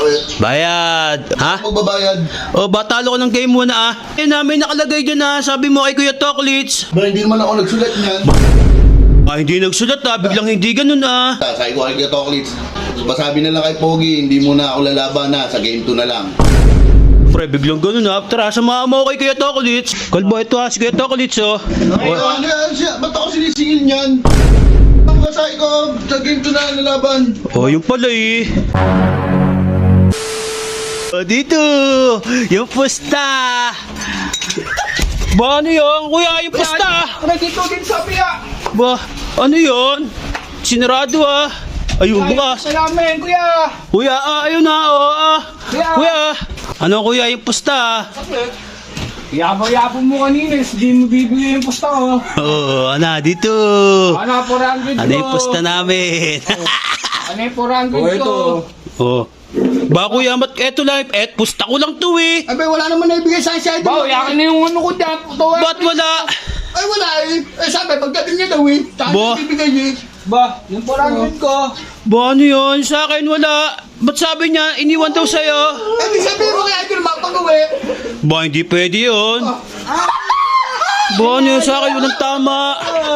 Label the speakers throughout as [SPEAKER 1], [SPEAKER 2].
[SPEAKER 1] Bakit?
[SPEAKER 2] Bayad. Ha?
[SPEAKER 1] Magbabayad?
[SPEAKER 2] O, batalo ko ng game muna ah. Eh namin nakalagay dyan ah. Sabi mo kay Kuya Toklits.
[SPEAKER 1] Ba, hindi naman ako nagsulat niyan.
[SPEAKER 2] Hindi nagsulat ah. Biglang hindi ganun ah.
[SPEAKER 1] Sabi ko kay Toklits, pasabi na lang kay Pogi, hindi muna ako lalaban na, sa game 2 na lang.
[SPEAKER 2] Pre, biglang ganun ah. Tara, samahan mo kay Kuya Toklits. Kalbo, ito ah. Si Kuya Toklits oh.
[SPEAKER 1] Ano yan siya? Ba't ako sinisingil niyan? Ang kasay ko, sa game 2 na lang lalaban.
[SPEAKER 2] Oh, yung pala eh. Oh, dito. Yung pusta. Ba, ano yun? Kuya, yung pusta.
[SPEAKER 3] Nandito din sa piya.
[SPEAKER 2] Ba, ano yun? Sinarado ah. Ayun, bukas.
[SPEAKER 3] Sa namin, kuya.
[SPEAKER 2] Kuya, ayun na, oh, Kuya, ano kuya, yung pusta?
[SPEAKER 3] Yabo-yabo mo kanina, hindi mo bibigay yung pusta ko.
[SPEAKER 2] Oo, ano, dito.
[SPEAKER 3] Ano, 400 ko.
[SPEAKER 2] Ano yung pusta namin?
[SPEAKER 3] Ano yung 400 ko?
[SPEAKER 2] Oh. Ba kuya, eto lang, pusta ko lang to eh.
[SPEAKER 1] Abe, wala naman naibigay sa akin.
[SPEAKER 3] Bao, yakin na yung ano ko dyan.
[SPEAKER 2] Ba't wala?
[SPEAKER 1] Ay, wala eh. Eh, sabi, pagdating niya daw eh. Saan
[SPEAKER 2] Bo?
[SPEAKER 1] niya bibigay niya?
[SPEAKER 3] Ba, yung 400 ko.
[SPEAKER 2] Ba, ano yun? Sa akin wala. Ba't sabi niya, iniwan daw sa'yo?
[SPEAKER 1] Eh, di sabihin mo kaya ito mapag-uwi.
[SPEAKER 2] Ba, hindi pwede yun. Ba, ano yun? Sa akin walang tama.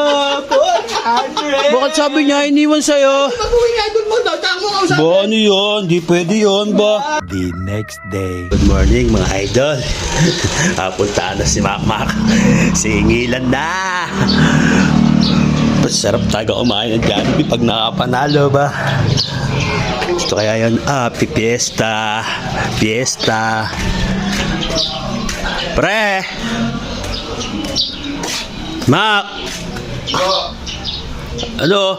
[SPEAKER 2] Bakit sabi niya, iniwan sa'yo?
[SPEAKER 1] Pag-uwi nga doon mo daw, tama mo sa
[SPEAKER 2] Ba, ano yun? Di pwede yun ba? The next day. Good morning mga idol. Puntaan na si Makmak. Singilan na. Masarap taga kumain ng Jollibee pag nakapanalo ba? Gusto kaya yun? Fiesta. Fiesta. Pre! Mak! Ano?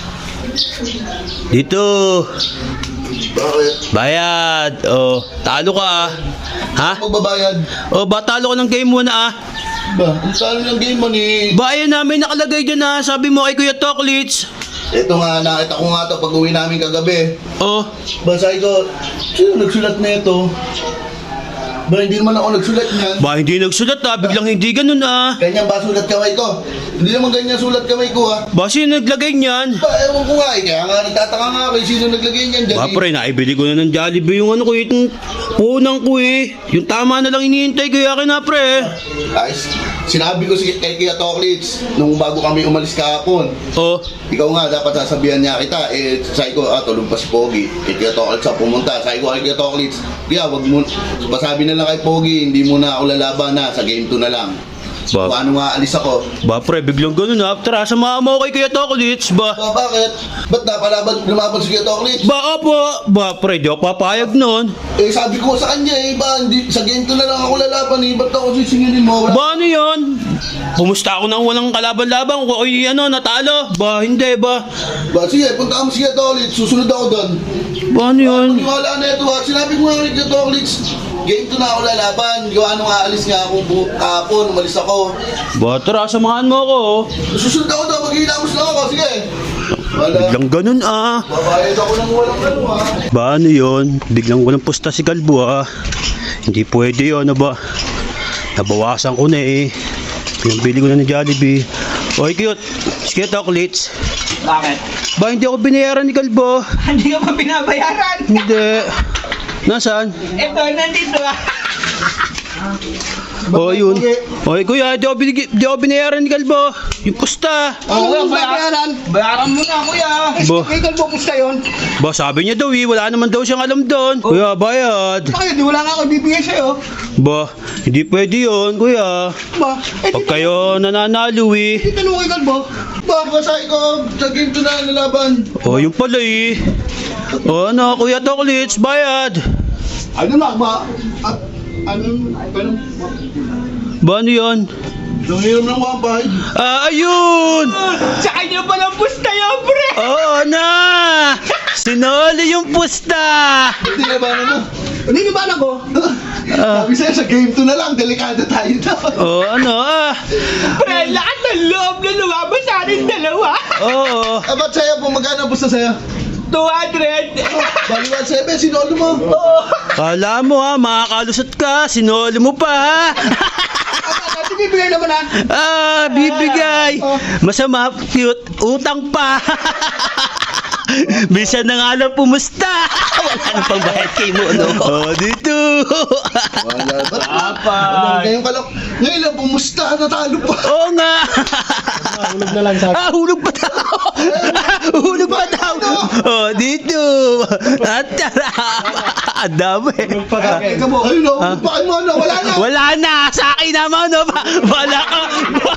[SPEAKER 2] Dito.
[SPEAKER 1] Bakit?
[SPEAKER 2] Bayad. Oh, talo ka ah. Ha?
[SPEAKER 1] Magbabayad?
[SPEAKER 2] Oh, batalo ko ng game muna ah.
[SPEAKER 1] Ba, ang saan ng game mo ni...
[SPEAKER 2] Ba, ayun namin nakalagay dyan ah. Sabi mo kay Kuya Toklits.
[SPEAKER 1] Ito nga, nakita ko nga ito pag uwi namin kagabi.
[SPEAKER 2] Oh,
[SPEAKER 1] Ba, sabi ko, sino nagsulat na ito? Ba, hindi naman ako nagsulat niyan.
[SPEAKER 2] ba hindi nagsulat ah. Biglang hindi ganun ah.
[SPEAKER 1] Ganyan ba sulat kamay ko? Hindi naman ganyan sulat kamay ko ha.
[SPEAKER 2] Ba, sino naglagay niyan?
[SPEAKER 1] Ba, ewan ko nga eh. Kaya nga nagtataka nga ako eh, sino naglagay niyan dyan.
[SPEAKER 2] Ba, pre, naibili ko na ng Jollibee yung ano ko eh. Itong punang ko eh. Yung tama na lang iniintay ko yakin na pre.
[SPEAKER 1] Guys, sinabi ko kay Kuya Toklits nung bago kami umalis kahapon.
[SPEAKER 2] Oh,
[SPEAKER 1] Ikaw nga, dapat sasabihan niya kita. Eh, sabi ko, tulog pa si Pogi. Kay Kuya Toklits ako pumunta. Sabi ko kay Kuya Toklits, Kuya, wag mo, pasabi na lang kay Pogi, hindi muna ako lalaban na, sa game 2 na lang.
[SPEAKER 2] Ba,
[SPEAKER 1] Paano nga alis ako?
[SPEAKER 2] ba pre, biglang ganun ah. Tara, samahan mo kay Kuya Toklits ba?
[SPEAKER 1] Ba, bakit? Ba't lumaban si Kuya Toklits?
[SPEAKER 2] Ba, opo. Ba, pre, di ako papayag nun.
[SPEAKER 1] Eh, sabi ko sa kanya eh, ba, hindi, sa game 2 na lang ako lalaban eh. Ba't ako sisingilin mo? Wala.
[SPEAKER 2] Ba, ano yun? Pumusta ako nang walang kalaban-laban. Kung ako'y ano, natalo. Ba, hindi ba?
[SPEAKER 1] Ba, sige, punta ka mo si Kuya Toklits, susunod ako doon.
[SPEAKER 2] Ba, ano yun?
[SPEAKER 1] Paniwala na ito ha. Sinabi ko nga kay Kuya Toklits, game 2 na ako lalaban. Gawa nung aalis nga ako kahapon, umalis ako.
[SPEAKER 2] Ba, tara, samahan mo ako.
[SPEAKER 1] Susunod ako daw, maghihilamos lang ako, sige. Wala.
[SPEAKER 2] Biglang ganun ah.
[SPEAKER 1] Babayad ako ng walang ano ha.
[SPEAKER 2] Ba, ano yun? Biglang walang pusta si Kalbo ah. Hindi pwede yun, ano ba? Nabawasan ko na eh. Pinabili ko na ng Jollibee. Oy, cute. Sige, Toklits.
[SPEAKER 3] Bakit?
[SPEAKER 2] Ba, hindi ako binayaran ni Kalbo.
[SPEAKER 3] Hindi ka pa binabayaran.
[SPEAKER 2] Hindi. Nasaan?
[SPEAKER 3] Ito, nandito ah.
[SPEAKER 2] Oh, yun. Oy, kuya, di ako binayaran ni Kalbo. Yung pusta.
[SPEAKER 3] Kuya, bayaran. Bayaran mo na, kuya.
[SPEAKER 2] Ba,
[SPEAKER 1] Kaya kalbo pusta yun.
[SPEAKER 2] ba, sabi niya daw eh, wala naman daw siyang alam doon. Kuya, bayad.
[SPEAKER 1] Bakit? Di wala nga ako bibigay sa'yo.
[SPEAKER 2] Ba, hindi pwede yun, kuya.
[SPEAKER 1] Ba? Eh,
[SPEAKER 2] Pag kayo nananalo eh.
[SPEAKER 1] di tanong kay kalbo. Ba, sabi ko, sa game 2 na lalaban.
[SPEAKER 2] Oh, yung pala eh. Oh, ano, Kuya Toklits, bayad.
[SPEAKER 1] Ano na ba? Ano?
[SPEAKER 2] Ba, ano yun?
[SPEAKER 1] Nangiram ng 1.5.
[SPEAKER 2] Ayun!
[SPEAKER 3] Sa kanya palang pusta yun, pre.
[SPEAKER 2] Oo na! Sinoli yung pusta!
[SPEAKER 1] Hindi na ba mo? Hindi ba ako? Sabi sa'yo, sa game 2 na lang, delikado tayo daw.
[SPEAKER 2] Oh, ano
[SPEAKER 3] Pre, lakas ng loob na lumabas sa ating dalawa.
[SPEAKER 2] Oo.
[SPEAKER 1] Ba't sa'yo po, magkano pusta sa'yo?
[SPEAKER 3] 200.
[SPEAKER 1] Baliwan 7, sinolo mo.
[SPEAKER 2] Kala mo ha, makakalusot ka, sinoli mo pa ha.
[SPEAKER 1] Kasi bibigay naman ha.
[SPEAKER 2] Bibigay. Masama, cute, utang pa. Bisa na nga lang pumusta. Wala nang pangbayad kay mo, no? Oh, dito.
[SPEAKER 1] Wala.
[SPEAKER 3] Apat.
[SPEAKER 1] Ngayon ka lang. Ngayon lang, pumusta. Natalo pa.
[SPEAKER 2] Oo nga.
[SPEAKER 3] Hulog na lang sa
[SPEAKER 2] Hulog pa daw. Hulog pa daw. Oh, dito. At tara. Ang dami.
[SPEAKER 1] Ay, no. Bakit mo na? Wala na.
[SPEAKER 2] Wala na. Sa akin naman, no? Wala ka.